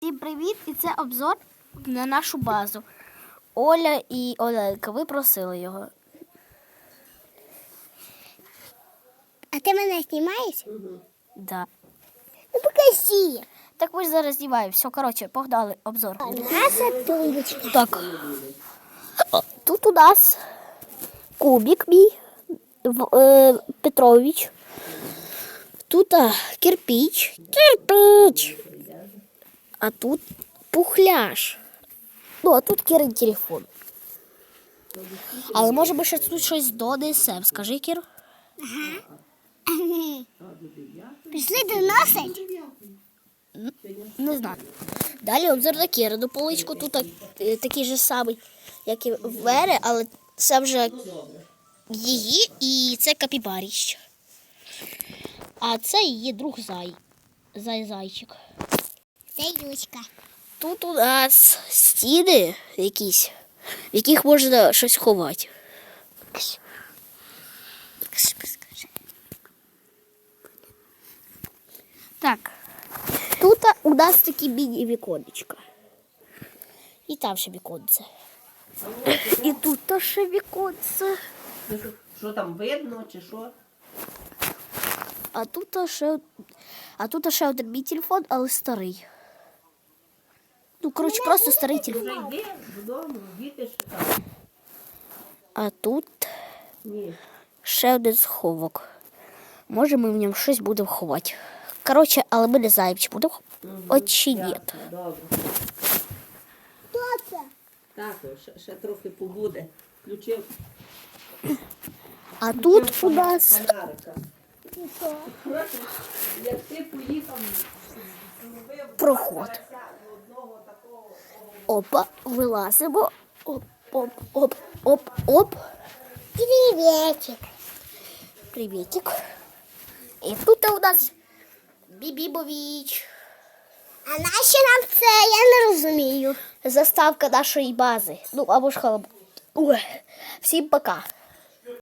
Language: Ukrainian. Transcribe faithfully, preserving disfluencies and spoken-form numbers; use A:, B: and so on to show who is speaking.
A: Всім привіт! І це обзор на нашу базу. Оля і Оленка, ви просили його.
B: А ти мене знімаєш?
A: Угу. Да.
B: Ну покажи.
A: Так ми ж зараз знімаємо. Все, коротше, погнали обзор.
B: Наша тумбочка.
A: Так. Тут у нас кубик мій, в- е, Петрович. Тут а, кирпич. Кирпич. А тут пухляж. Ну, а тут Кірин телефон. Але може би ще тут щось донесем. Скажи, Кір.
B: Пішли доносить.
A: Не знаю. Далі обзор на Кірину поличку. Тут е, такий же самий, як і в мене, але це вже її і це капібаріщ. А це її друг Зай. Зай-зайчик.
B: Це Юська.
A: Тут у нас стіни якісь, в яких можна щось ховати. Так. Тут у нас такі міні-віконечка. І там ще віконце. І тут ще віконце.
C: Що там видно чи що?
A: А тут ще, а тут ще один мій телефон, але старий. Ну, коротше, просто старий телефон.
C: Вже йди додому, діти ж там.
A: А тут
C: Ні.
A: ще один сховок. Може, ми в ньому щось будемо ховати. Коротше, але ми не знаємо, чи будемо от чи ні.
C: Ясно, добре.
B: Хто це?
C: Так, ще, ще трохи побуде. Включив
A: А тут у нас
C: фонарика.
B: Що?
C: Коротше, як ти поїхав, зробив
A: проход.
C: одного такого.
A: Опа, вилазимо. Оп, оп, оп, оп, оп.
B: Привітик.
A: Привітик. І тут у нас Бібібович.
B: А нащо нам це? Я не розумію.
A: Заставка нашої бази. Ну, або ж халаб. Ой, всім пока.